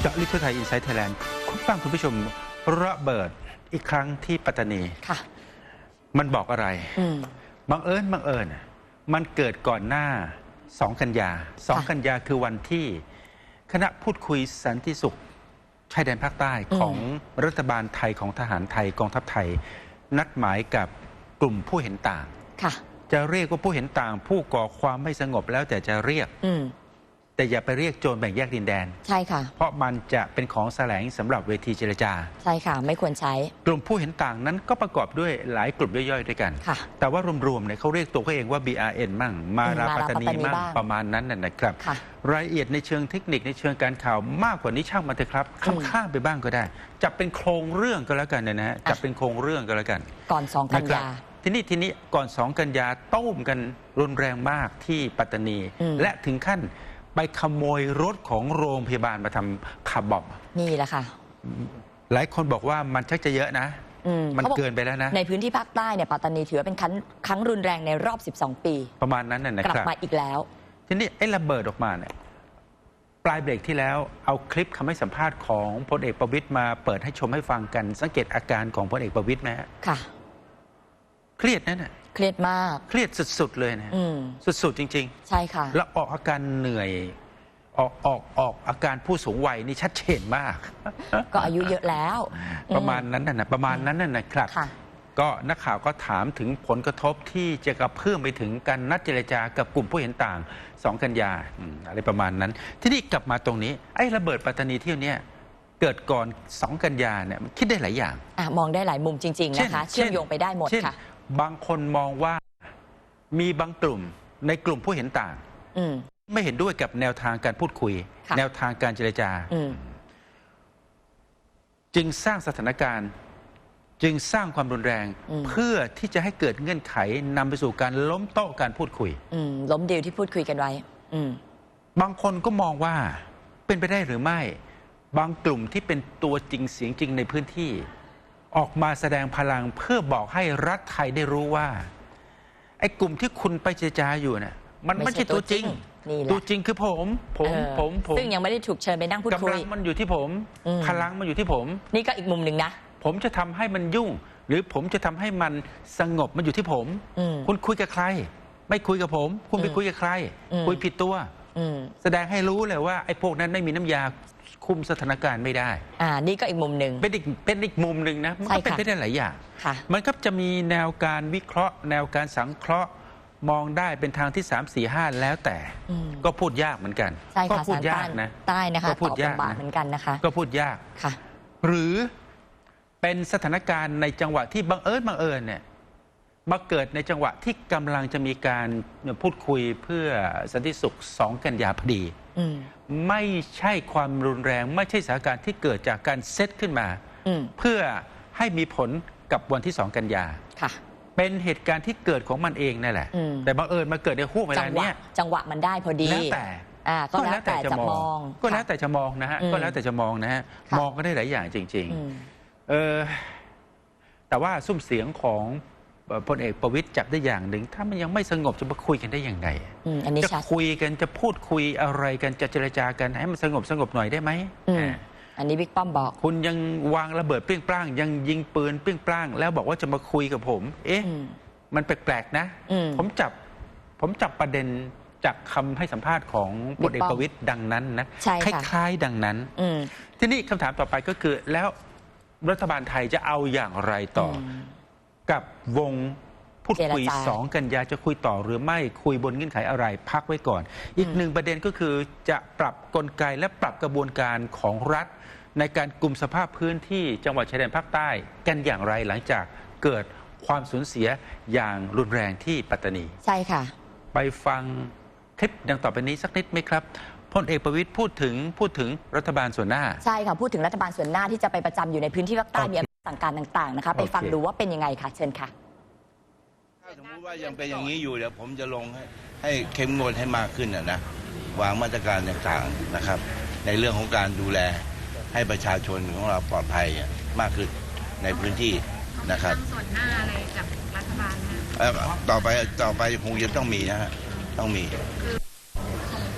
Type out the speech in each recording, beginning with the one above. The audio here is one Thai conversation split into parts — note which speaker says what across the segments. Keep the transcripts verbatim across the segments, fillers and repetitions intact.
Speaker 1: เจาะลึกทั่วไทยอินไซต์ไทยแลนด์คุณฟังคุณผู้ชมระเบิดอีกครั้งที่ปัตตานี
Speaker 2: ค่ะ
Speaker 1: มันบอกอะไรบังเอิญบังเอิญมันเกิดก่อนหน้าสองกันยาสองกันยาคือวันที่คณะพูดคุยสันติสุขชายแดนภาคใต้ของรัฐบาลไทยของทหารไทยกองทัพไทยนัดหมายกับกลุ่มผู้เห็นต่างจะเรียกว่าผู้เห็นต่างผู้ก่อความไม่สงบแล้วแต่จะเรียกแต่อย่าไปเรียกโจรแบ่งแยกดินแดน
Speaker 2: ใช่ค่ะ
Speaker 1: เพราะมันจะเป็นของแสลงสำหรับเวทีเจรจา
Speaker 2: ใช่ค่ะไม่ควรใช้
Speaker 1: กลุ่มผู้เห็นต่างนั้นก็ประกอบด้วยหลายกลุ่มย่อยๆด้วยกันแต่ว่ารวมๆเนี่ยเขาเรียกตัวเขาเองว่า บี อาร์ เอ็น มั่งมาราปัตตานีมั่งประมาณนั้นนะครับรายละเอียดในเชิงเทคนิคในเชิงการข่าวมากกว่านี้ช่างมันเถอะครับข้ามไปบ้างก็ได้จับเป็นโครงเรื่องก็แล้วกันนะฮะจับเป็นโครงเรื่องก็แล้วกัน
Speaker 2: ก่อนสองกันยา
Speaker 1: ทีนี้ทีนี้ก่อนสองกันยาต้มกันรุนแรงมากที่ปัตตานีและถึงขั้นไปขโมยรถของโรงพยาบาลมาทำคาร์บอม
Speaker 2: นี่แหละค่ะ
Speaker 1: หลายคนบอกว่ามันชักจะเยอะนะมันเกินไปแล้วนะ
Speaker 2: ในพื้นที่ภาคใต้เนี่ยปัตตานีถือเป็นครั้งครั้งรุนแรงในรอบสิบสองปี
Speaker 1: ประมาณนั้นน่ะนะครับ
Speaker 2: กลับมาอีกแล้ว
Speaker 1: ทีนี้ไอ้ระเบิดออกมาเนี่ยปลายเบรกที่แล้วเอาคลิปคำให้สัมภาษณ์ของพลเอกประวิตรมาเปิดให้ชมให้ฟังกันสังเกตอาการของพลเอกประวิตรไหม
Speaker 2: ค่ะ
Speaker 1: เครียดนั่นน่ะ
Speaker 2: เครียดมาก
Speaker 1: เครียดสุดๆเลยนะสุดๆจริง
Speaker 2: ๆใช่ค่ะ
Speaker 1: แล้วออกอาการเหนื่อยออกออกออกอาการผู้สูงวัยนี่ชัดเจนมาก
Speaker 2: ก็อายุเยอะแล้ว
Speaker 1: ประมาณนั้นน่ะประมาณนั้นน่ะนะครับก็นักข่าวก็ถามถึงผลกระทบที่จะกระเพื่อมไปถึงการนัดเจรจากับกลุ่มผู้เห็นต่างสองกันยาอะไรประมาณนั้นที่นี่กลับมาตรงนี้ไอ้ระเบิดปัตตานีเที่ยวนี้เกิดก่อนสองกันยาเนี่ยคิดได้หลายอย่าง
Speaker 2: อ่ะมองได้หลายมุมจริงๆนะคะเชื่อมโยงไปได้หมดค่ะ
Speaker 1: บางคนมองว่ามีบางกลุ่มในกลุ่มผู้เห็นต่างไม่เห็นด้วยกับแนวทางการพูดคุยแนวทางการเจรจาจึงสร้างสถานการณ์จึงสร้างความรุนแรงเพื่อที่จะให้เกิดเงื่อนไขนำไปสู่การล้มโต๊ะการพูดคุย
Speaker 2: ล้มดีลที่พูดคุยกันไว้
Speaker 1: บางคนก็มองว่าเป็นไปได้หรือไม่บางกลุ่มที่เป็นตัวจริงเสียงจริงในพื้นที่ออกมาแสดงพลังเพื่อบอกให้รัฐไทยได้รู้ว่าไอ้กลุ่มที่คุณไปเจรจาอยู่เนี่ยมันไม่ใช่ตัวจริงตัวจริงคือผมผมผมผม
Speaker 2: ซึ่งยังไม่ได้ถูกเชิญไปนั่งพูดคุย
Speaker 1: กำลังมันอยู่ที่ผมพลังมันอยู่ที่ผม
Speaker 2: นี่ก็อีกมุมหนึ่งนะ
Speaker 1: ผมจะทำให้มันยุ่งหรือผมจะทำให้มันสงบมันอยู่ที่ผมคุณคุยกับใครไม่คุยกับผมคุณไปคุยกับใครคุยผิดตัวแสดงให้รู้เลยว่าไอ้พวกนั้นไม่มีน้ำยาคุมสถานการณ์ไม่ได้
Speaker 2: อ่านี่ก็อีกมุมหนึ่ง
Speaker 1: เป็นอีกเป็นอีกมุมหนึ่งนะมันก็เป็นไปได้หลายอย่างมันก็จะมีแนวการวิเคราะห์แนวการสังเคราะห์มองได้เป็นทางที่สามสี่ห้าแล้วแต่ก็พูดยากเหมือนกัน
Speaker 2: ก็
Speaker 1: พูดยากนะ
Speaker 2: ใต้นะคะก็พูดยากเหมือนกันนะคะ
Speaker 1: ก็พูดยาก
Speaker 2: ค่ะ
Speaker 1: หรือเป็นสถานการณ์ในจังหวะที่บังเอิญบังเอิญเนี่ยมาเกิดในจังหวะที่กำลังจะมีการพูดคุยเพื่อสันติสุขสองกันยาพอดีไม่ใช่ความรุนแรงไม่ใช่สถานการณ์ที่เกิดจากการเซตขึ้นมาเพื่อให้มีผลกับวันที่สองกันยาเป็นเหตุการณ์ที่เกิดของมันเองนั่นแหละแต่บังเอิญมาเกิดในห่วงเวลาเนี้ย
Speaker 2: จังหวะมันได้พอดี
Speaker 1: แล้วแต่
Speaker 2: ก็แล้วแต่จะมอง
Speaker 1: ก็แล้วแต่จะมองนะฮะก็แล้วแต่จะมองนะฮะมองก็ได้หลายอย่างจริงๆเออแต่ว่าซุ้มเสียงของพลเอกประวิตรจับได้อย่างหนึ่งถ้ามันยังไม่สงบจะมาคุยกันได้ยังไงจะคุยกันจะพูดคุยอะไรกันจะเจรจากันให้มันสงบสงบหน่อยได้ไหม
Speaker 2: อันนี้บิ๊กป้อมบอก
Speaker 1: คุณยังวางระเบิดเปรี้ยงปร้างยังยิงปืนเปรี้ยงปร้างแล้วบอกว่าจะมาคุยกับผมเอ๊ะมันแปลกๆนะผมจับผมจับประเด็นจากคำให้สัมภาษณ์ของพลเอกประวิตรดังนั้นนะคล้ายๆดังนั้นทีนี้คำถามต่อไปก็คือแล้วรัฐบาลไทยจะเอาอย่างไรต่อกับวงพูดคุยสองกันยาจะคุยต่อหรือไม่คุยบนเงื่อนไขอะไรพักไว้ก่อนอีกหนึ่งประเด็นก็คือจะปรับกลไกและปรับกระบวนการของรัฐในการกลุ่มสภาพพื้นที่จังหวัดชายแดนภาคใต้กันอย่างไรหลังจากเกิดความสูญเสียอย่างรุนแรงที่ปัตตานี
Speaker 2: ใช่ค่ะ
Speaker 1: ไปฟังคลิปดังต่อไปนี้สักนิดไหมครับพลเอกประวิตรพูดถึงพูดถึงรัฐบาลส่วนหน้า
Speaker 2: ใช่ค่ะพูดถึงรัฐบาลส่วนหน้าที่จะไปประจำอยู่ในพื้นที่ภาคใต้มีสั่งการต่างๆนะคะไปฟังดูว่าเป็นยังไงค่ะเชิญค่ะ
Speaker 3: ถ้าสมมติว่ายังเป็นอย่างนี้อยู่เดี๋ยวผมจะลงให้ให้เข้มงวดให้มากขึ้นนะนะวางมาตรการต่างๆนะครับในเรื่องของการดูแลให้ประชาชนของเราปลอดภัยมากขึ้นในพื้นที่นะครับ
Speaker 4: ส่วนหน้าอะไรกับรัฐบาลนะ
Speaker 3: ต่อไปต่อไปคงจะต้องมีนะฮะต้องมี
Speaker 4: ของพล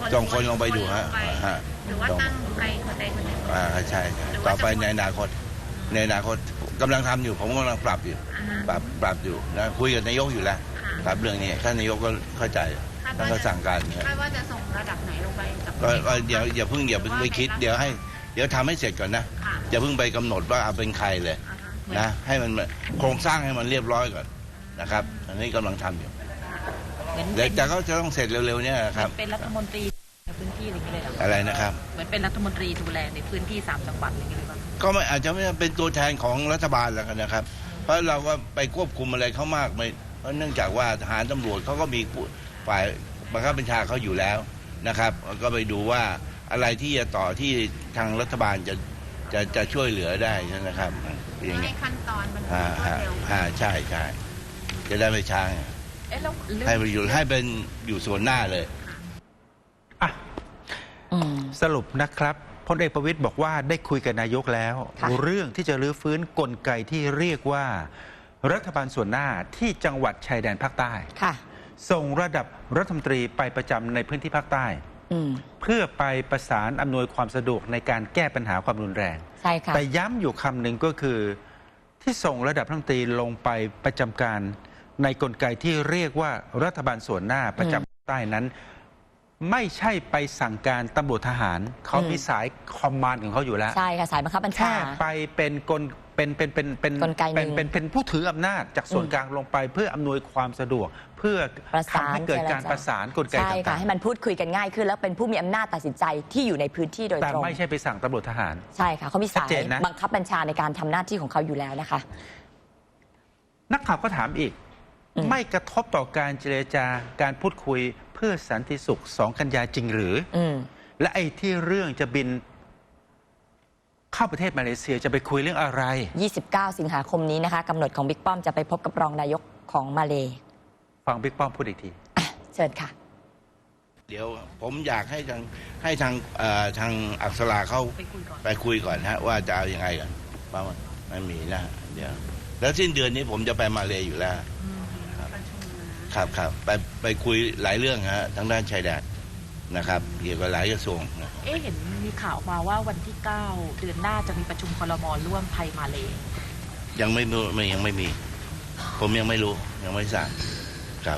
Speaker 3: ส่งคนลงไปดูฮะ
Speaker 4: ลงไป
Speaker 3: ฮะ
Speaker 4: หรือว่าตั้งใครคนใดคนหนึ่ง
Speaker 3: อ่าใช่ใช่
Speaker 4: หรือว่า
Speaker 3: ต่อไป
Speaker 4: จะ
Speaker 3: ในอนาคตในอนาคตกำลังทำอยู่ผมกำลังปรับอยู่
Speaker 4: อ่าฮะ
Speaker 3: ปรับปรับอยู่นะคุยกับนายกอยู่แล้ว
Speaker 4: ค่ะ
Speaker 3: ครับเรื่องนี้ท่านนายกก็เข้าใจ
Speaker 4: คาด
Speaker 3: ท่าน
Speaker 4: ว่า
Speaker 3: ก็
Speaker 4: จะ
Speaker 3: สั่งการเนี่ย
Speaker 4: คาดว่าจะส่งระดับไหนลงไปกับ
Speaker 3: ก็ก็อย่าอย่าเพิ่งอย่าเพิ่งไปคิดเดี๋ยวให้เดี๋ยวทำให้เสร็จก่อนนะ
Speaker 4: ค่ะ
Speaker 3: อย่าเพิ่งไปกำหนดว่าเอาเป็นใครเลย
Speaker 4: อ่าฮะ
Speaker 3: นะให้มันโครงสร้างให้มันเรียบร้อยก่อนนะครับ อันนี้กำลังทำอยู่
Speaker 5: เหมือน
Speaker 3: เดี๋ยว
Speaker 5: เป็น
Speaker 3: แต่ก็จะต้องเสร็จเร็วๆเนี่ยครับ
Speaker 5: เป็นรัฐมนตรีในพื้นที่อะไรอย่างเงี้ยเลยเหรอ
Speaker 3: อะไรนะครับ
Speaker 5: เหมือนเป็นรัฐมนตรีดูแลในพื้นที่สามจังหวัดอะไรอย่างเงี้ยเลยป่ะ
Speaker 3: ก็ไม่อาจจะไม่เป็นตัวแทนของรัฐบาลแล้วกันนะครับ เพราะเราก็ไปควบคุมอะไรเขามากไม่เพราะเนื่องจากว่าทหารตำรวจเขาก็มีผู้ฝ่ายบังคับบัญชาเขาอยู่แล้วนะครับ ก็ไปดูว่าอะไรที่จะต่อที่ทางรัฐบาลจะจะจะช่วยเหลือได้นะครับอย่าง
Speaker 4: ให้
Speaker 3: เงี้ย
Speaker 4: ขั้นตอนมันร
Speaker 3: อ่าว
Speaker 4: ด
Speaker 3: ฮะ
Speaker 4: เร็ว
Speaker 3: อ่าใช่ใช่จะได้ไม่ช้า
Speaker 5: เอ๊ะแล้วเรื่อง
Speaker 3: ให้ไปอยู่ให้เป็นอยู่ส่วนหน้าเลย
Speaker 1: อ่ะ
Speaker 2: อืม
Speaker 1: สรุปนะครับพลเอกประวิตยบอกว่าได้คุยกับนายกแล้ว
Speaker 2: ค่ะ
Speaker 1: เรื่องที่จะรื้อฟื้นกลไกที่เรียกว่า รัฐบาลส่วนหน้าที่จังหวัดชายแดนภาคใต้
Speaker 2: ค่ะ
Speaker 1: ส่งระดับรัฐมนตรีไปประจำในพื้นที่ภาคใต้
Speaker 2: อืม
Speaker 1: เพื่อไปประสานอำนวยความสะดวกในการแก้ปัญหาความรุนแรง
Speaker 2: ใช่ค่ะ
Speaker 1: แต่ย้ำอยู่คำหนึ่งก็คือที่ส่งระดับรัฐมนตรีลงไปประจำการในกลไกที่เรียกว่ารัฐบาลส่วนหน้าประจำภาคใต้นั้น ไม่ใช่ไปสั่งการตำรวจทหาร เขามีสายคอมมานด์ของเขาอยู่แล้ว
Speaker 2: ใช่ค่ะสายบังคับบัญชา
Speaker 1: แค่ไปเป็นกลเป็นเป็นเป็นเป็น
Speaker 2: กลไกหนึ่
Speaker 1: เป็น
Speaker 2: ง
Speaker 1: เป็นเป็นผู้ถืออำนาจจากส่วน
Speaker 2: อืม
Speaker 1: กลางลงไปเพื่ออำนวยความสะดวก เพื่อ
Speaker 2: ประสาน
Speaker 1: ทำให้เกิดการ
Speaker 2: เจรจา
Speaker 1: ประสานกลไก
Speaker 2: ใช่ค่ะ
Speaker 1: ต่าง
Speaker 2: ให้มันพูดคุยกันง่ายขึ้น แล้วเป็นผู้มีอำนาจตัดสินใจที่อยู่ในพื้นที่โดย
Speaker 1: ๆแต่
Speaker 2: ตรง
Speaker 1: ไม่ใช่ไปสั่งตำรวจทหาร
Speaker 2: ใช่ค่ะเขามี
Speaker 1: ชั
Speaker 2: สา
Speaker 1: ด
Speaker 2: ย
Speaker 1: เจนนะ
Speaker 2: บังคับบัญชาในการทำหน้าที่ของเขาอยู่แล้วนะคะ
Speaker 1: นักข่าวก็ถามอีก
Speaker 2: อืม
Speaker 1: ไม่กระทบต่อการเจรจาการพูดคุยเพื่อสันติสุขสองกันยาจริงหรือ
Speaker 2: อืม
Speaker 1: และไอ้ที่เรื่องจะบินเข้าประเทศมาเลเซียจะไปคุยเรื่องอะไร
Speaker 2: ยี่สิบเก้า สิงหาคมนี้นะคะกำหนดของบิ๊กป้อมจะไปพบกับรองนายกของมาเล
Speaker 1: ฟังบิ๊กป้อมพูดอีกที
Speaker 2: อ่ะเชิญค่ะ
Speaker 3: เดี๋ยวผมอยากให้ทางให้ทางเอ่อทางอักษราเขา
Speaker 5: ไปคุยก่อน
Speaker 3: ไปคุยก่อนฮะว่าจะเอายังไงกันเพราะมันไม่มีนะเดี๋ยวแล้วสิ้นเดือนนี้ผมจะไปมาเลยอยู่แล้ว
Speaker 5: อืม
Speaker 3: ครับครับไปไปคุยหลายเรื่องฮะทางด้านชายแดนนะครับเกี่ยวกับหลายกระทรวงนะ
Speaker 5: เอ๊ะเห็นมีข่าวมาว่าวันที่เก้าเดือนหน้าจะมีประชุมครม.ร่วมไทยมาเล
Speaker 3: ยังไม่รู้ไม่ยังไม่มี ผมยังไม่รู้ยังไม่ทราบครับ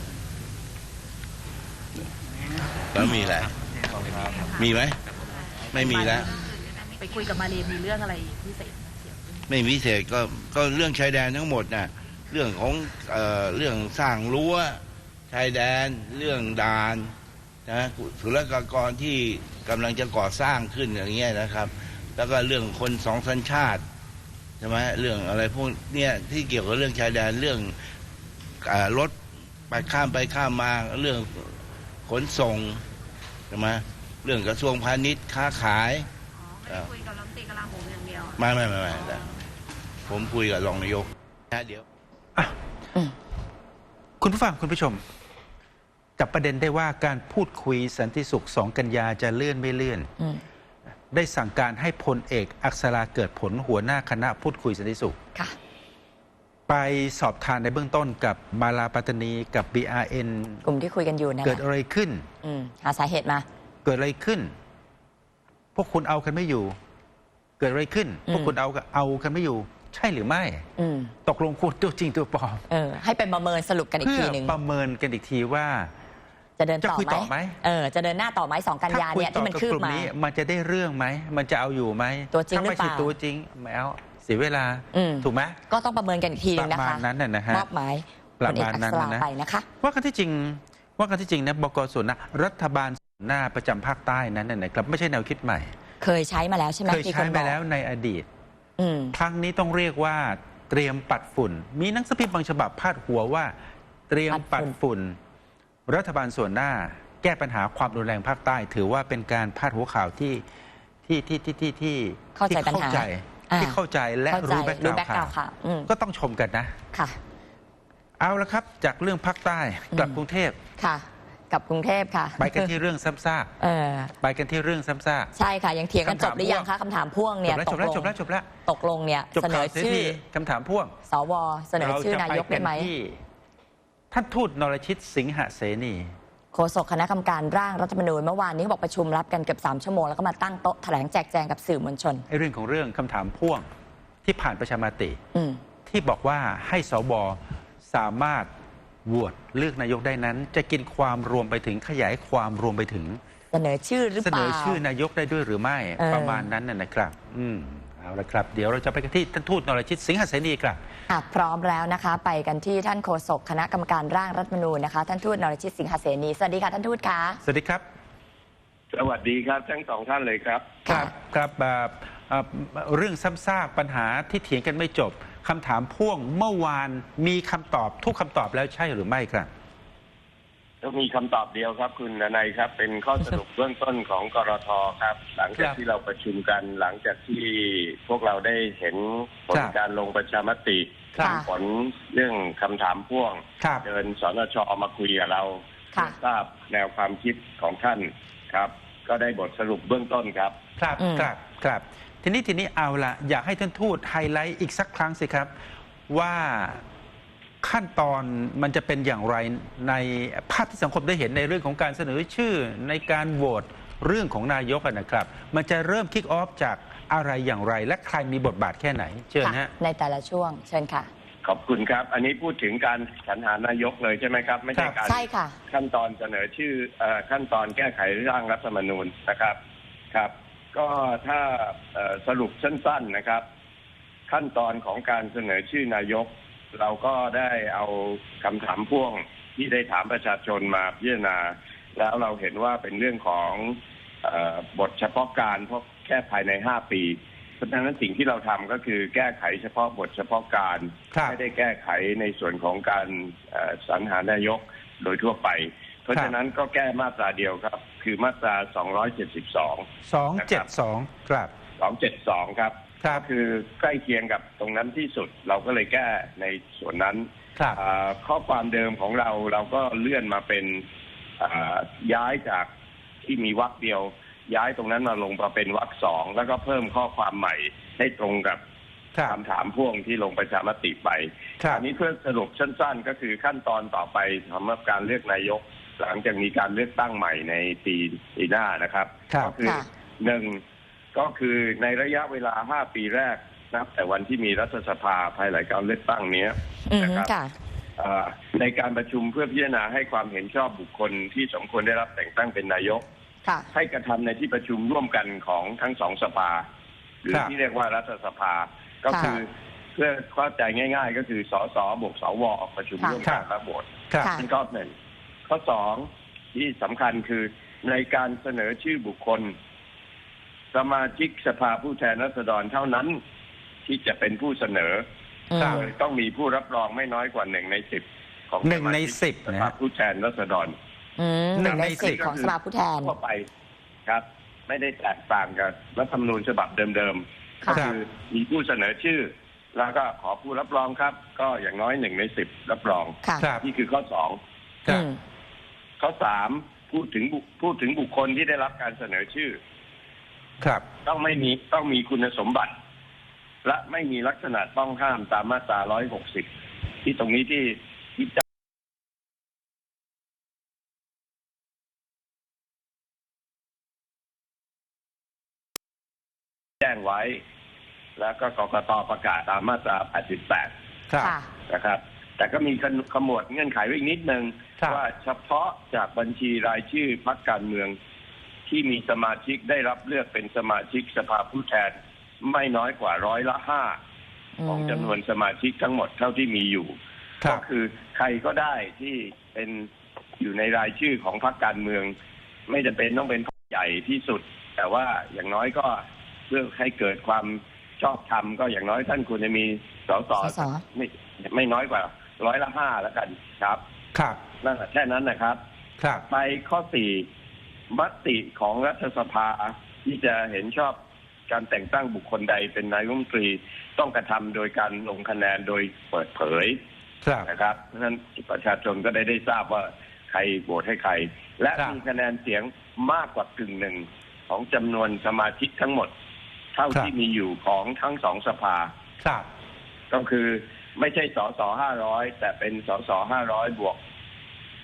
Speaker 3: แล้วมีอะไรมีไหมไม่มีแล้ว
Speaker 5: ไปคุยกับมาเลมีเรื่องอะไรพิเศษไหมเสี่ยว
Speaker 3: ไม่มีพิเศษก็ก็เรื่องชายแดนทั้งหมดนะเรื่องของเอ่อเรื่องสร้างรั้วชายแดนเรื่องด่านนะศุลกากรที่กำลังจะก่อสร้างขึ้นอย่างเงี้ยนะครับ แล้วก็เรื่องคนสองสัญชาติใช่ไหมเรื่องอะไรพวกเนี้ยที่เกี่ยวกับเรื่องชายแดนเรื่องเอ่อรถไปข้ามไปข้ามมาเรื่องขนส่งใช่ไหมเรื่องกระทรวงพาณิชย์ค้าขาย
Speaker 4: อ๋อไม่ได้คุยกับรัฐมนตรีกลาโหมอย่างเดียว
Speaker 3: ไม่ไม่ไม่ไม่ไม่ผมคุยกับรองนายกนะเดี๋ยว
Speaker 2: อืม
Speaker 1: คุณผู้ฟังคุณผู้ชม จับประเด็นได้ว่าการพูดคุยสันติสุขสองกันยาจะเลื่อนไม่เลื่อน
Speaker 2: อืม
Speaker 1: ได้สั่งการให้พลเอกอักษราเกิดผลหัวหน้าคณะพูดคุยสันติสุข
Speaker 2: ค่ะ
Speaker 1: ไปสอบทานในเบื้องต้นกับมาลาปัตตานีกับ บี อาร์ เอ็น
Speaker 2: กลุ่มที่คุยกันอยู่นะ
Speaker 1: เกิด
Speaker 2: คะ
Speaker 1: อะไรขึ้น
Speaker 2: อืมหาสาเหตุมา
Speaker 1: เกิดอะไรขึ้น พวกคุณเอากันไม่อยู่ เกิดอะไรขึ้น
Speaker 2: อืม
Speaker 1: พวกคุณเอาเอากันไม่อยู่ ใช่หรือไม่
Speaker 2: อืม
Speaker 1: ตกลงคุณตัวจริงตัวปลอม
Speaker 2: เออ ให้เป็นประเมินสรุปกันอีก
Speaker 1: เพื่อ
Speaker 2: ทีหนึ่ง
Speaker 1: ประเมินกันอีกทีว่า
Speaker 2: จะเดินต่อ
Speaker 1: จะคุยต่อ
Speaker 2: ไห
Speaker 1: ไห
Speaker 2: ม
Speaker 1: ม
Speaker 2: เออ จะเดินหน้าต่อไหมสองกันยาเนี่ยที่มันคืบ
Speaker 1: ถ้าคุยต่อกับกลุ่
Speaker 2: มา
Speaker 1: นี้มันจะได้เรื่องไหม มันจะเอาอยู่ไหม
Speaker 2: ตัวจริง
Speaker 1: ถ้าไม่
Speaker 2: หรือเป
Speaker 1: ใช่
Speaker 2: ล่า
Speaker 1: ตัวจริงไม่เอาเสียเวลา
Speaker 2: อืม
Speaker 1: ถูกไหม
Speaker 2: ก็ต้องประเมินกันอีกทีหนึงนะ
Speaker 1: ประมา
Speaker 2: คะ
Speaker 1: ณนั้นน่ะนะฮะ
Speaker 2: มอบหมาย
Speaker 1: ประ
Speaker 2: พลเอก
Speaker 1: มาณ
Speaker 2: อัก
Speaker 1: นั้น
Speaker 2: ษรา
Speaker 1: นะ
Speaker 2: ไปนะคะ
Speaker 1: ว่ากันที่จริง ว่ากันที่จริงนะบกส่วนนะรัฐบาลส่วนหน้าประจำภาคใต้นั้นน่ะนะครับไม่ใช่แนวคิดใหม่
Speaker 2: เคยใช้มาแล้วใช่ไหม
Speaker 1: เคย
Speaker 2: มี
Speaker 1: ใช้
Speaker 2: น
Speaker 1: ไป
Speaker 2: บอก
Speaker 1: แล้วในอดีต
Speaker 2: อืม
Speaker 1: ครั้งนี้ต้องเรียกว่าเตรียมปัดฝุ่น มีหนังสือพิมพ์บางฉบับพาดหัวว่า เตรียมปัดฝุ่น รัฐบาลส่วนหน้า แก้ปัญหาความรุนแรงภาคใต้ ถือว่าเป็นการพาดหัวข่าวที่ที่ที่ที่ที่ที่
Speaker 2: เข้าใจปัญหา
Speaker 1: ที่
Speaker 2: อ่า
Speaker 1: ที่เข้าใจและ
Speaker 2: เข้าใจ
Speaker 1: รู้แบ็ก
Speaker 2: รู้
Speaker 1: ก
Speaker 2: แบ็ก
Speaker 1: ราว
Speaker 2: ก
Speaker 1: ด์
Speaker 2: ราว
Speaker 1: ข่าว
Speaker 2: ค่ะ อืม
Speaker 1: ก็ต้องชมกันนะ
Speaker 2: ค่ะ
Speaker 1: เอาละครับ จากเรื่องภาคใต้กลับ
Speaker 2: อืม
Speaker 1: กรุงเทพ
Speaker 2: ค่ะ กับกรุงเทพค่ะ
Speaker 1: ไปกันที่เรื่องซ้ำซาก
Speaker 2: เออ
Speaker 1: ไปกันที่เรื่องซ้ำซาก
Speaker 2: ใช่ค่ะ ยังเถียงกัน
Speaker 1: คำ
Speaker 2: จ
Speaker 1: ถาม
Speaker 2: บหรือยังคะคำถามพ่วง
Speaker 1: จ
Speaker 2: เนี่ย
Speaker 1: บแล้ว
Speaker 2: ต
Speaker 1: จ
Speaker 2: ก
Speaker 1: บแล้ว
Speaker 2: ลง
Speaker 1: จบแล้วจบแล้ว
Speaker 2: ตกลงเนี่ย
Speaker 1: จบ
Speaker 2: เสน
Speaker 1: ข่า
Speaker 2: อ
Speaker 1: วเสีย
Speaker 2: ชื่อ
Speaker 1: ทีคำถามพ่วง
Speaker 2: สวเสนอชื่อนายกได้ไหม
Speaker 1: ที่ท่านทูตนรชิตสิงหเสนี
Speaker 2: โฆษกคณะกรรมการร่างรัฐธรรมนูญเมื่อวานนี้บอกประชุมรับกันเกือบสามชั่วโมงแล้วก็มาตั้งโต๊ะแถลงแจกแจงกับสื่อมวลชน
Speaker 1: ไอ้เรื่องของเรื่องคำถามพ่วงที่ผ่านประชามติที่บอกว่าให้สวสามารถโหวตเลือกนายกได้นั้นจะกินความรวมไปถึงขยายความรวมไปถึง
Speaker 2: เสนอชื่อหรือเปล่า
Speaker 1: เสนอชื่อนายกได้ด้วยหรือไม่ประมาณนั้นนะครับอืมเอาละครับเดี๋ยวเราจะไปกันที่ท่านทูตนรชิตสิงหเสนีครับ
Speaker 2: พร้อมแล้วนะคะไปกันที่ท่านโฆษกคณะกรรมการร่างรัฐธรรมนูญนะคะท่านทูตนรชิตสิงหเสนีสวัสดีค่ะท่านทูตคะ
Speaker 1: สวัสดีครับ
Speaker 6: สวัสดีครับทั้งสองท่านเลยครับ
Speaker 1: ครับครับเรื่องซ้ำซากปัญหาที่เถียงกันไม่จบคำถามพ่วงเมื่อวานมีคำตอบทุกคำตอบแล้วใช่หรือไม่ครับ
Speaker 6: ก็มีคำตอบเดียวครับคุณนายครับเป็นข้อสรุปเบื้องต้นของกรท.ครับหลังจากที่เราประชุมกันหลังจากที่พวกเราได้เห็นผลการลงประชามติผลเรื่องคำถามพ่วงเดินสนช.มาคุยกับเราทราบแนวความคิดของท่านครับก็ได้บทสรุปเบื้องต้นครับ
Speaker 1: ครับครับครับทีนี้ทีนี้เอาละอยากให้ท่านทูตไฮไลท์อีกสักครั้งสิครับว่าขั้นตอนมันจะเป็นอย่างไรในภาพที่สังคมได้เห็นในเรื่องของการเสนอชื่อในการโหวตเรื่องของนายกนะครับมันจะเริ่มคิกออฟจากอะไรอย่างไรและใครมีบทบาทแค่ไหนเชิญฮะ
Speaker 2: ในแต่ละช่วงเชิญค่ะ
Speaker 6: ขอบคุณครับอันนี้พูดถึงการสรรหานายกเลยใช่ไหมครับไม่ใช่การ
Speaker 2: ใช่ค่ะ
Speaker 6: ขั้นตอนเสนอชื่อขั้นตอนแก้ไขร่างรัฐธรรมนูญนะครับครับก็ถ้าสรุปสั้นๆนะครับขั้นตอนของการเสนอชื่อนายกเราก็ได้เอาคำถามพ่วงที่ได้ถามประชาชนมาพิจารณาแล้วเราเห็นว่าเป็นเรื่องของเอ่อบทเฉพาะการเพราะแค่ภายในห้าปีเพราะฉะนั้นสิ่งที่เราทำก็คือแก้ไขเฉพาะบทเฉพาะการไม่ได้แก้ไขในส่วนของการสรรหานายกโดยทั่วไปเพราะฉะนั้นก็แก้มาตราเดียวครับคือมาตราสองร้อยเจ็ดสิบสอง
Speaker 1: สองร้อยเจ็ดสิบสองครับ
Speaker 6: สองร้อยเจ็ดสิบสองครับก็คือใกล้เคียงกับตรงนั้นที่สุดเราก็เลยแก้ในส่วนนั้นข้อความเดิมของเราเราก็เลื่อนมาเป็นย้ายจากที่มีวรรคเดียวย้ายตรงนั้นมาลงมาเป็นวรรคสองแล้วก็เพิ่มข้อความใหม่ให้ตรงกับคำถามพ่วงที่ลงประชามติไปอันนี้เพื่อสรุปสั้นๆก็คือขั้นตอนต่อไปสำหรับการเลือกนายกหลังจากมีการเลือกตั้งใหม่ในปีปีหน้านะครับก็คือหนึ่งก็คือในระยะเวลาห้าปีแรกนับแต่วันที่มีรัฐสภาภายหลังการเลือกตั้งนี้นะครับในการประชุมเพื่อพิจารณาให้ความเห็นชอบบุคคลที่สมควรได้รับแต่งตั้งเป็นนายกให้กระทำในที่ประชุมร่วมกันของทั้งสองสภาหรือที่เรียกว่ารัฐสภาก็คือเพื่อเข้าใจง่ายๆก็คือสสบวกสวประชุมร่วมกันและโหวตเป็นข้อหนึ่งข้อสองที่สำคัญคือในการเสนอชื่อบุคคลสมาชิกสภาผู้แทนราษฎรเท่านั้นที่จะเป็นผู้เสนอโดยต้องมีผู้รับรองไม่น้อยกว่าหนึ่งในสิบของ
Speaker 1: หนึ่งในสิบ
Speaker 6: สภาผู้แทนราษฎร
Speaker 2: หนึ่งในสิบของสภาผู้แทน
Speaker 6: ทั่วไปครับไม่ได้แตกต่างกับรัฐธรรมนูญฉบับเดิมๆก็คือมีผู้เสนอชื่อแล้วก็ขอผู้รับรองครับก็อย่างน้อยหนึ่งในสิบรับรองนี่คือข้อสองข้อสามพูดถึงพูดถึงบุคคลที่ได้รับการเสนอชื่อ
Speaker 1: ครับ
Speaker 6: ต้องไม่มีต้องมีคุณสมบัติและไม่มีลักษณะต้องห้ามตามมาตราหนึ่งร้อยหกสิบที่ตรงนี้ที่ที่จะแจ้งไว้แล้วก็กกต.ประกาศตามมาตราแปดสิบแปดนะครับแต่ก็มีขมวดเงื่อนไขไว้อีกนิดนึงว่าเฉพาะจากบัญชีรายชื่อพรรคการเมืองที่มีสมาชิกได้รับเลือกเป็นสมาชิกสภาผู้แทนไม่น้อยกว่าร้อยละห้าของจำนวนสมาชิกทั้งหมดเท่าที่มีอยู่ก็คือใครก็ได้ที่เป็นอยู่ในรายชื่อของพรรคการเมืองไม่จำเป็นต้องเป็นพรรคใหญ่ที่สุดแต่ว่าอย่างน้อยก็เพื่อให้เกิดความชอบธรรมก็อย่างน้อยท่านควรจะมีสสไม่ไม่น้อยกว่าร้อยละห้าแล้วกันครับ
Speaker 1: ครับ
Speaker 6: นั่นแค่นั้นนะครับ
Speaker 1: ครับ
Speaker 6: ไปข้อสี่มติของรัฐสภาที่จะเห็นชอบการแต่งตั้งบุคคลใดเป็นนายกรัฐมนตรีต้องกระทำโดยการลงคะแนนโดยเปิดเผยนะครับเพราะฉะนั้นประชาชนก็ได้ได้ทราบว่าใครโหวตให้ใครและมีคะแนนเสียงมากกว่ากึ่งหนึ่งของจำนวนสมาชิกทั้งหมดเท่าที่มีอยู่ของทั้งสองสภาก็คือไม่ใช่สสห้าร้อยแต่เป็นสสห้าร้อยบวก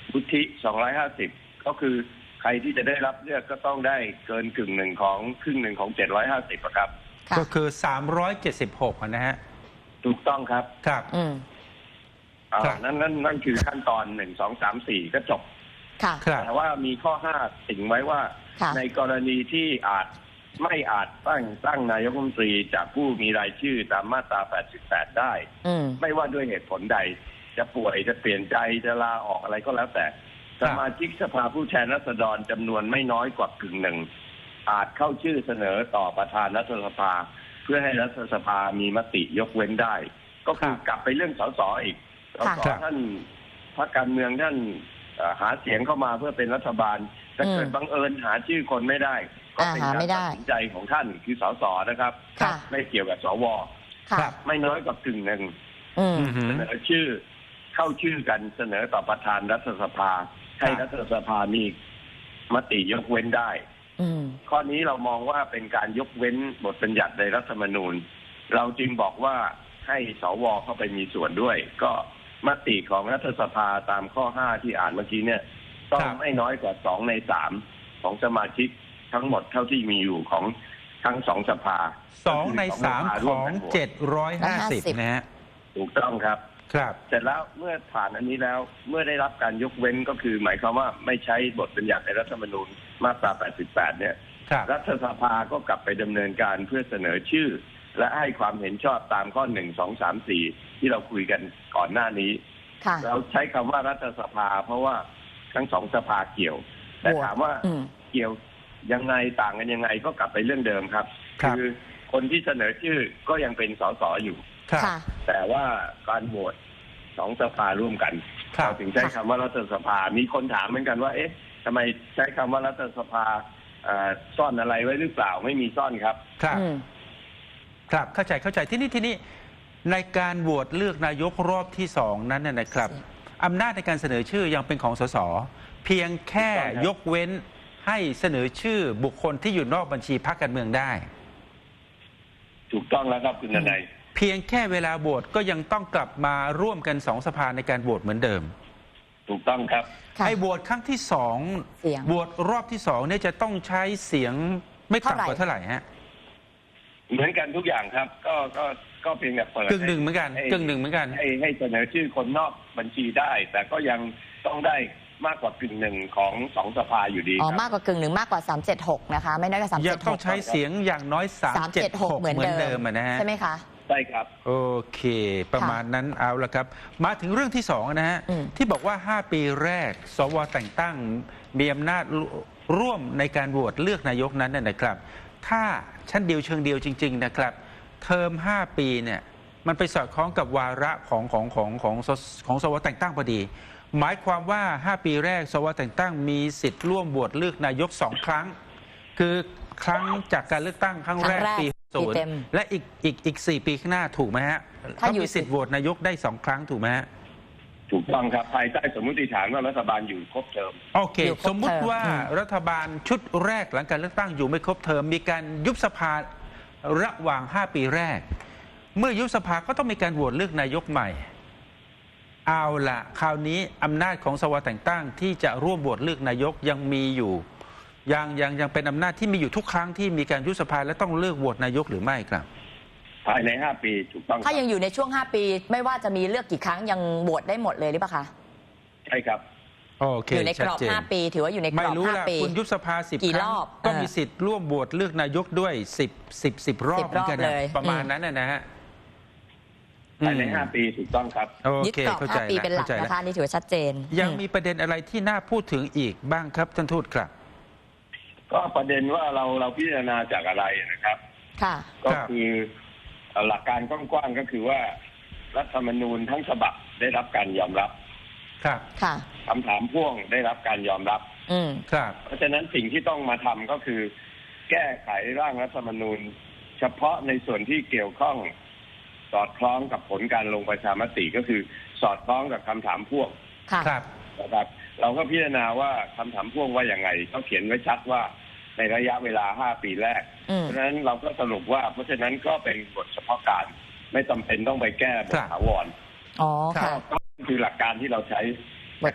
Speaker 6: วุฒิสองร้อยห้าสิบก็คือใครที่จะได้รับเลือกก็ต้องได้เกินกึ่งหนึ่งของครึ่งหนึ่งของเจ็ดร้อยห้าสิบครับ
Speaker 2: ค่ะ
Speaker 1: ก็คือสามร้อยเจ็ดสิบหกนะฮะ
Speaker 6: ถูกต้องครับ
Speaker 1: ครับ
Speaker 2: อืม
Speaker 6: อ่านั่นนั่นนั่นคือขั้นตอนหนึ่งสองสามสี่ก็จบ
Speaker 2: ค่ะ
Speaker 6: แต่ว่ามีข้อห้าติ่งไว้ว่าในกรณีที่อาจไม่อาจตั้งตั้งนายกรัฐมนตรีจากผู้มีรายชื่อตามมาตราแปดสิบแปดได้ไม่ว่าด้วยเหตุผลใดจะป่วยจะเปลี่ยนใจจะลาออกอะไรก็แล้วแต่สมาชิกสภาผู้แทนราษฎรจำนวนไม่น้อยกว่ากึ่งหนึ่งอาจเข้าชื่อเสนอต่อประธานรัฐสภาเพื่อให้รัฐสภามีมติยกเว้นได้ก็คือกลับไปเรื่องสสอีกสสท่านพรรคการเมืองท่านหาเสียงเข้ามาเพื่อเป็นรัฐบาลแต่เกิดบังเอิญหาชื่อคนไม่ได้ก็เป็นการตัดสินใจของท่านคือสสนะครับไม่เกี่ยวกับสวไม่น้อยกว่ากึ่งหนึ่งเสนอชื่อเข้าชื่อกันเสนอต่อประธานรัฐสภาให้รัฐสภามีมติยกเว้นได้ข้อนี้เรามองว่าเป็นการยกเว้นบทบัญญัติในรัฐธรรมนูญเราจึงบอกว่าให้สวเข้าไปมีส่วนด้วยก็มติของรัฐสภาตามข้อห้าที่อ่านเมื่อกี้เนี่ยต้องไม่น้อยกว่าสองในสามของสมาชิกทั้งหมดเท่าที่มีอยู่ของทั้งสองสภา
Speaker 1: สองในสามของเจ็ดร้อยห้าสิบนะฮะ
Speaker 6: ถูกต้องครับ
Speaker 1: ครับ
Speaker 6: เสร็จแล้วเมื่อผ่านอันนี้แล้วเมื่อได้รับการยกเว้นก็คือหมายความว่าไม่ใช้บทบัญญัติในรัฐธรรมนูญมาตราแปดสิบแปดเนี่ยรัฐสภาก็กลับไปดำเนินการเพื่อเสนอชื่อและให้ความเห็นชอบตามข้อหนึ่งสองสามสี่ที่เราคุยกันก่อนหน้านี้เราใช้คำว่ารัฐสภาเพราะว่าทั้งสองสภาเกี่ยวแต่ถามว่าเกี่ยวยังไงต่างกันยังไงก็กลับไปเรื่องเดิมครับคือคนที่เสนอชื่อก็ยังเป็นสสอยู่แต่ว่าการโหวตสองสภาร่วมกันเราถึงใช้คำว่ารัฐสภามีคนถามเหมือนกันว่าเอ๊ะทำไมใช้คำว่ารัฐสภาซ่อนอะไรไว้หรือเปล่าไม่มีซ่อนครับ
Speaker 1: ครับครับเข้าใจเข้าใจที่นี่ที่นี่ในการโหวตเลือกนายกรอบที่สองนั้นนะครับอำนาจในการเสนอชื่อยังเป็นของสสเพียงแค่ยกเว้นให้เสนอชื่อบุคคลที่อยู่นอกบัญชีพรรคการเมืองได้
Speaker 6: ถูกต้องแล้วครับคุณนาย
Speaker 1: เพียงแค่เวลาโหวตก็ยังต้องกลับมาร่วมกันสองสภาในการโหวตเหมือนเดิม
Speaker 6: ถูกต้องครับ
Speaker 1: ไอ้โหวตครั้งที่สองโหวตรอบที่สองเนี่ยจะต้องใช้เสียงไม่ต่ำกว่าเท่าไหร่ฮะ
Speaker 6: เหมือนกันทุกอย่างครับก็ก็ก็เพียงแต่เปิด
Speaker 1: กึ่งหนึ่งเหมือนกันกึ่งหนึ่งเหมือนกัน
Speaker 6: ให้ให้เสนอชื่อคนนอกบัญชีได้แต่ก็ยังต้องได้มากกว่ากึ่งหนึ่งของสองสภาอยู่ดี
Speaker 2: อ๋อมากกว่ากึ่งหนึ่งมากกว่าสามเจ็ดหกนะคะไม่น้อยกว่าสามเจ็ดหก
Speaker 1: ยังต้องใช้เสียงอย่างน้อยสามเจ็ดหกเหมือนเดิมนะฮะ
Speaker 2: ใช่ไหมคะ
Speaker 6: ใช่ครับ
Speaker 1: โอเคประมาณนั้นเอาละครับมาถึงเรื่องที่สองนะฮะที่บอกว่าห้าปีแรกสวแต่งตั้งมีอำนาจร่วมในการโหวตเลือกนายกนั้นนะครับถ้าชั้นเดียวเชิงเดียวจริงๆนะครับเทอมห้าปีเนี่ยมันไปสอดคล้องกับวาระของของของของของสวแต่งตั้งพอดีหมายความว่าห้าปีแรกสวแต่งตั้งมีสิทธิ์ร่วมโหวตเลือกนายกสองครั้งคือครั้งจากการเลือกตั้งครั้งแรกปีศูนย์และอีกอีกอีกสี่ปีข้างหน้าถูกไหมฮะเขามีสิทธิ์โหวตนายกได้สองครั้งถูกไหมฮะ
Speaker 6: ถูกต้องครับภายใต้สมมติฐานว่ารัฐบาลอยู่ครบเทอม
Speaker 1: โอเคสมมุติว่ารัฐบาลชุดแรกหลังการเลือกตั้งอยู่ไม่ครบเทอมมีการยุบสภาระหว่างห้าปีแรกเมื่อยุบสภาก็ต้องมีการโหวตเลือกนายกใหม่เอาละคราวนี้อำนาจของสวแต่งตั้งที่จะร่วมโหวตเลือกนายกยังมีอยู่ยังยังยังเป็นอำนาจที่มีอยู่ทุกครั้งที่มีการยุบสภาและต้องเลือกโหวตนายกหรือไม่ครับ
Speaker 6: ภายในห้าปีถูกต้อง
Speaker 2: ถ้ายังอยู่ในช่วงห้าปีไม่ว่าจะมีเลือกกี่ครั้งยังโหวตได้หมดเลยหรือเปล่าคะ
Speaker 6: ใช่ครับ
Speaker 1: โอเค
Speaker 2: อยู่ในกรอบห้าปีถือว่าอยู่ในกรอบห้าปี
Speaker 1: คุณยุบสภาสิบครั้งก็มีสิทธิ์ร่วมโหวตเลือกนายกด้วยสิบสิบสิบรอบเหมือนกันประมาณนั้นนะฮะ
Speaker 6: ภายในห้าปีถูกต้องครับ
Speaker 2: ยึดกรอบห้าปีเป็นหลักนะคะนี่ถือว่าชัดเจน
Speaker 1: ยังมีประเด็นอะไรที่น่าพูดถึงอีกบ้างครับท่านทูตครับ
Speaker 6: ก็ประเด็นว่าเราเราพิจารณาจากอะไรนะครับ
Speaker 2: ค่ะ
Speaker 6: ก็คือหลักการกว้างๆก็คือว่ารัฐธรรมนูญทั้งฉบับได้รับการยอมรับ
Speaker 1: ครับ
Speaker 2: ค่ะ
Speaker 6: คำถามพ่วงได้รับการยอมรับ
Speaker 2: อืม
Speaker 1: ครับ
Speaker 6: เพราะฉะนั้นสิ่งที่ต้องมาทำก็คือแก้ไขร่างรัฐธรรมนูญเฉพาะในส่วนที่เกี่ยวข้องสอดคล้องกับผลการลงประชามติก็คือสอดคล้องกับคำถามพ่วง
Speaker 1: ครับ
Speaker 6: นะครับเราก็พิจารณาว่าคำถามพ่วงว่าอย่างไงเขาเขียนไว้ชัดว่าในระยะเวลาห้าปีแรกเพราะฉะนั้นเราก็สรุปว่าเพราะฉะนั้นก็เป็นบทเฉพาะการไม่จำเป็นต้องไปแก้บทถาวร
Speaker 2: อ๋อค่ะ
Speaker 6: ก็คือหลักการที่เราใช้นะครับถ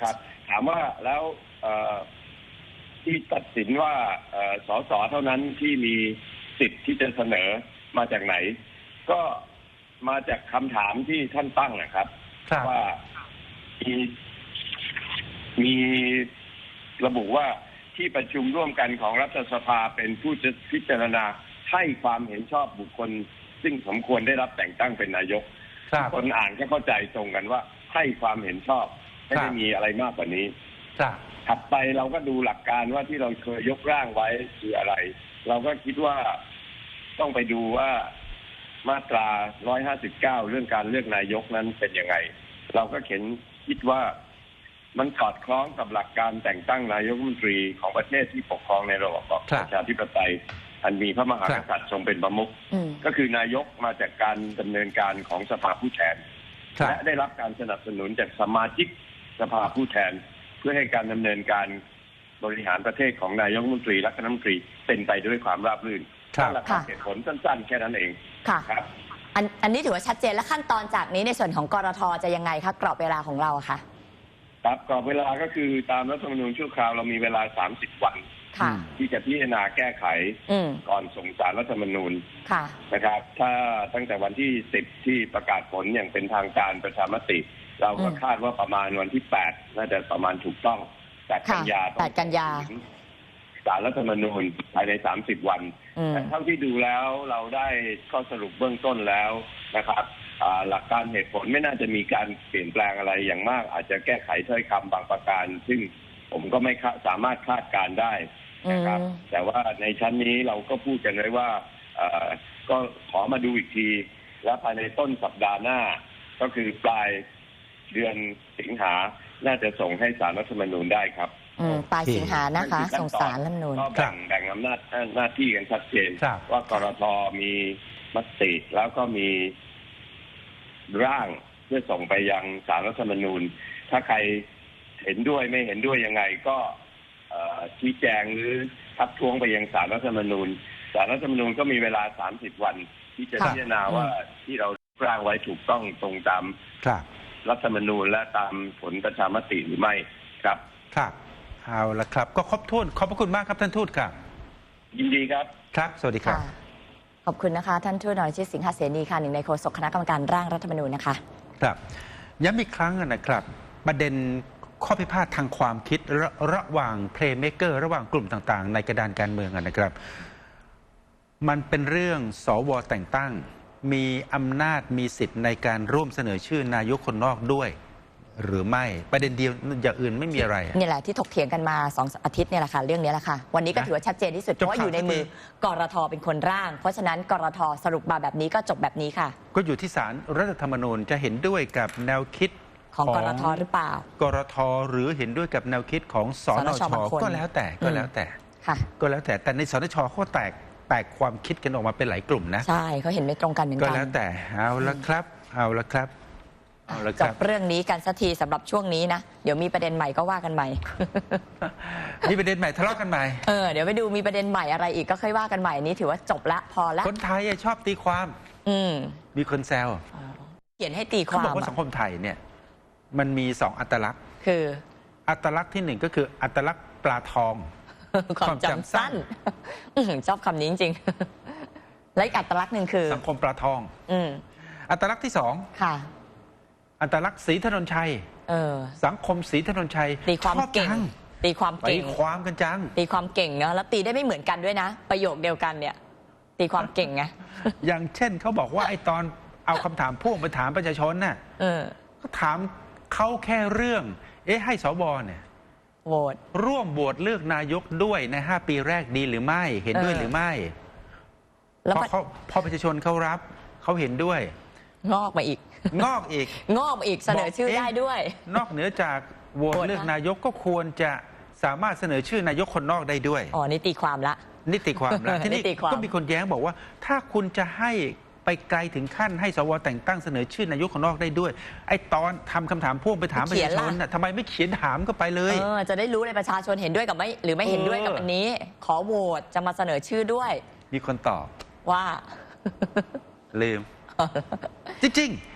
Speaker 6: ามว่าแล้วเอ่อที่ตัดสินว่าเอ่อสสเท่านั้นที่มีสิทธิ์ที่จะเสนอมาจากไหน ก็มาจากคำถามที่ท่านตั้งนะครับว่ามีมีระบุว่าที่ประชุมร่วมกันของรัฐสภาเป็นผู้จะพิจารณาให้ความเห็นชอบบุคคล ซึ่งสมควรได้รับแต่งตั้งเป็นนายกคนอ่านก็เข้าใจตรงกันว่าให้ความเห็นชอบไม่ได้มีอะไรมากกว่านี้ถัดไปเราก็ดูหลักการว่าที่เราเคยยกร่างไว้คืออะไร เราก็คิดว่าต้องไปดูว่ามาตราหนึ่งร้อยห้าสิบเก้าเรื่องการเลือกนายกนั้นเป็นยังไงเราก็เขียนคิดว่ามันสอดคล้องกับหลักการแต่งตั้งนายกรัฐมนตรีของประเทศที่ปกครองในระบอบประชาธิปไตยอันมีพระมหากษัตริย์ทรงเป็นประมุขก็คือนายกมาจากการดำเนินการของสภาผู้แทนและได้รับการสนับสนุนจากสมาชิกสภาผู้แทนเพื่อให้การดำเนินการบริหารประเทศของนายกรัฐมนตรีและคณะรัฐมนตรีเป็นไปด้วยความราบรื่นนั่นแหละครับเหตุผลสั้นๆแค่นั้นเอง
Speaker 2: ค่ะ
Speaker 6: ครับ
Speaker 2: อันอันนี้ถือว่าชัดเจนและขั้นตอนจากนี้ในส่วนของกรทจะยังไงคะกรอบเวลาของเราค่ะ
Speaker 6: ครับกรอบเวลาก็คือตามรัฐธรรมนูญชั่วคราวเรามีเวลาสามสิบวันที่จะพิจารณาแก้ไขก่อนส่งสารรัฐธรรมนูญนะครับถ้าตั้งแต่วันที่สิบที่ประกาศผลอย่างเป็นทางการประชามติเราก็คาดว่าประมาณวันที่แปดน่าจะประมาณถูกต้องแปดกันยา
Speaker 2: แปดกันยา
Speaker 6: สารรัฐธรรมนูญภายในสามสิบวันแต่เท่าที่ดูแล้วเราได้ข้อสรุปเบื้องต้นแล้วนะครับหลักการเหตุผลไม่น่าจะมีการเปลี่ยนแปลงอะไรอย่างมากอาจจะแก้ไขถ้อยคำบางประการซึ่งผมก็ไม่สามารถคาดการได้นะครับแต่ว่าในชั้นนี้เราก็พูดกันไว้ว่าก็ขอมาดูอีกทีและภายในต้นสัปดาห์หน้าก็คือปลายเดือนสิงหาน่าจะส่งให้ศาลรัฐธรรมนูญได้ครับ
Speaker 2: ปลายสิงหานะคะส่งศาลรัฐธรรมนูญ
Speaker 6: ก็แบ่งแบ่งอำนาจหน้าที่กันชัดเจนว่ากรทมีมติแล้วก็มีร่างเพื่อส่งไปยังศาลรัฐธรรมนูญถ้าใครเห็นด้วยไม่เห็นด้วยยังไงก็ชี้แจงหรือทักท้วงไปยังศาลรัฐธรรมนูญศาลรัฐธรรมนูญก็มีเวลาสามสิบวันที่จะพิจารณาว่าที่เราร่างไว้ถูกต้องตรงตามรัฐธรรมนูญและตามผลประชามติหรือไม่ครับ
Speaker 1: ครับเอาละครับก็ครบถ้วนขอบพระคุณมากครับท่านทูตครับ
Speaker 6: ยินดีครับ
Speaker 1: ครับสวัสดีครับ
Speaker 2: ขอบคุณนะคะท่านทูตนรชิตสิงหเสนีค่ะหนึ่งในโฆษกคณะกรรมการร่างรัฐธรรมนูญนะคะ
Speaker 1: ครับย้ำอีกครั้งนะครับประเด็นข้อพิพาททางความคิดระระหว่างเพลย์เมเกอร์ระหว่างกลุ่มต่างๆในกระดานการเมืองนะครับมันเป็นเรื่องสวแต่งตั้งมีอำนาจมีสิทธิ์ในการร่วมเสนอชื่อนายกคนนอกด้วยหรือไม่ประเด็นเดียวอย่างอื่นไม่มีอะไร
Speaker 2: นี่แหละที่ถกเถียงกันมาสองอาทิตย์เนี่ยแหละค่ะเรื่องนี้แหละค่ะวันนี้ก็ถือว่าชัดเจนที่สุดเพราะว่าอยู่ในมือกรทเป็นคนร่างเพราะฉะนั้นกรทสรุปมาแบบนี้ก็จบแบบนี้ค่ะ
Speaker 1: ก็อยู่ที่ศาลรัฐธรรมนูญจะเห็นด้วยกับแนวคิด
Speaker 2: ของกรทหรือเปล่าก
Speaker 1: รทหรือเห็นด้วยกับแนวคิดของสนชก็แล้วแต่ก็แล้วแต่
Speaker 2: ค่ะ
Speaker 1: ก็แล้วแต่แต่ในสนชเขาแตกแตกความคิดกันออกมาเป็นหลายกลุ่มนะ
Speaker 2: ใช่เขาเห็นไม่ตรงกันเหมือนกัน
Speaker 1: ก็แล้วแต่เอาละครับเอาละครับ
Speaker 2: จบเรื่องนี้กันสักทีสำหรับช่วงนี้นะเดี๋ยวมีประเด็นใหม่ก็ว่ากันใหม่
Speaker 1: มีประเด็นใหม่ทะเลาะกันใหม่
Speaker 2: เออเดี๋ยวไปดูมีประเด็นใหม่อะไรอีกก็ค่อยว่ากันใหม่นี้ถือว่าจบละพอละ
Speaker 1: คนไทยชอบตีความ
Speaker 2: อืม
Speaker 1: มีคนแซว
Speaker 2: เขียนให้ตีความ
Speaker 1: เขาบอกว่าสังคมไทยเนี่ยมันมีสองอัตลักษณ์
Speaker 2: คือ
Speaker 1: อัตลักษณ์ที่หนึ่งก็คืออัตลักษณ์ปลาทอง
Speaker 2: ความจำสั้นชอบคำนี้จริงๆและอีกอัตลักษณ์หนึ่งคือ
Speaker 1: สังคมปลาทอง
Speaker 2: อืม
Speaker 1: อัตลักษณ์ที่สอง
Speaker 2: ค่ะ
Speaker 1: อัตลักษณ์ศรีถนนชัยสังคมศรีถนนชัย
Speaker 2: ตีความเก่งตีความเก่ง
Speaker 1: ตีความกันจัง
Speaker 2: ตีความเก่งเนาะแล้วตีได้ไม่เหมือนกันด้วยนะประโยคเดียวกันเนี่ยตีความเก่งไง
Speaker 1: อย่างเช่นเขาบอกว่าไอ้ตอนเอาคำถามพ่วงไปถามประชาชนน่ะก็ถามเขาแค่เรื่องเอ๊ะให้สวเนี่ย
Speaker 2: โหวต
Speaker 1: ร่วมโหวตเลือกนายกด้วยในห้าปีแรกดีหรือไม่เห็นด้วยหรือไม่แล้วพอพอประชาชนเขารับเขาเห็นด้วย
Speaker 2: งอกมาอีก
Speaker 1: งอกอีก
Speaker 2: งอกมาอีกเสนอชื่อได้ด้วย
Speaker 1: นอกเหนือจากโหวตเลือกนายกก็ควรจะสามารถเสนอชื่อนายกคนนอกได้ด้วย
Speaker 2: อ๋อนี่ตีความละ
Speaker 1: นี่ตีความละทีนี้ก็มีคนแย้งบอกว่าถ้าคุณจะให้ไปไกลถึงขั้นให้สวแต่งตั้งเสนอชื่อนายกคนนอกได้ด้วยไอ้ตอนทำคำถามพ่วงไปถามประชาชนน่ะทำไมไม่เขียนถามก็ไปเลย
Speaker 2: เออจะได้รู้เลยประชาชนเห็นด้วยกับไม่หรือไม่เห็นด้วยกับอันนี้ขอโหวตจะมาเสนอชื่อด้วย
Speaker 1: มีคนตอบ
Speaker 2: ว่า
Speaker 1: ลืมจริงๆ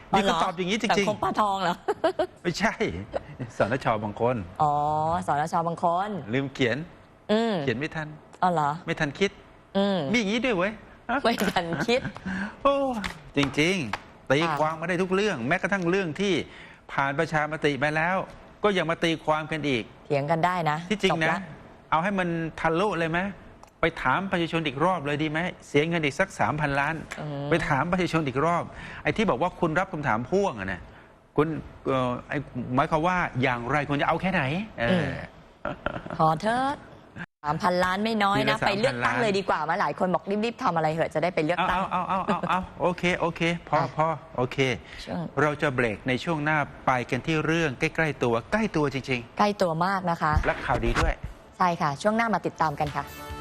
Speaker 1: มีคนตอบอย่างนี้จ
Speaker 2: สั
Speaker 1: ริง
Speaker 2: งคมปลาทองเหรอ
Speaker 1: ๆ ไม่ใช่สนชบางคน
Speaker 2: อ๋อสนชบางคน
Speaker 1: ลืมเขียน
Speaker 2: อืม
Speaker 1: เขียนไม่ทัน
Speaker 2: อ๋อเหรอ
Speaker 1: ไม่ทันคิด
Speaker 2: อืม
Speaker 1: มีอย่างนี้ด้วยเว้ย
Speaker 2: ไม่ทันคิด
Speaker 1: โอ้จริงๆตี
Speaker 2: ค่ะ
Speaker 1: ความมาได้ทุกเรื่อง แม้กระทั่งเรื่องที่ผ่านประชามติไปแล้ว ก็ยังมาตีความกันอีก
Speaker 2: เถียงกันได้นะ
Speaker 1: ที่จริง
Speaker 2: บ
Speaker 1: นะ
Speaker 2: ละ
Speaker 1: เอาให้มันทะลุเลยไหมไปถามประชาชนอีกรอบเลยดีไหมเสียเงินอีกสักสามพันล้าน
Speaker 2: อืม
Speaker 1: ไปถามประชาชนอีกรอบ ไอ้ที่บอกว่าคุณรับคำถามพ่วงอะนะคุณเอ่อไอ้หมายความว่าอย่างไรคุณจะเอาแค่ไหนเออ
Speaker 2: ขอเถอะสามพันล้านไม่น้อย
Speaker 1: ที
Speaker 2: นะ
Speaker 1: ละ
Speaker 2: ไปเลือกตั้ง
Speaker 1: สามพันล้าน
Speaker 2: เลยดีกว่ามาหลายคนบอกรีบๆทำอะไรเหอะจะได้ไปเลือก
Speaker 1: เอา
Speaker 2: ตั้ง
Speaker 1: เอาเอาเอาเอาเอาโอเคโอเคพอ
Speaker 2: อ่ะ
Speaker 1: พอโอเค
Speaker 2: ช่วง
Speaker 1: เราจะเบรกในช่วงหน้าไปกันที่เรื่องใกล้ๆตัวใกล้ตัวจริง
Speaker 2: ใกล้ตัวมากนะคะ
Speaker 1: ๆ และข่าวดีด้วย
Speaker 2: ใช่ค่ะ ช่วงหน้ามาติดตามกันค่ะ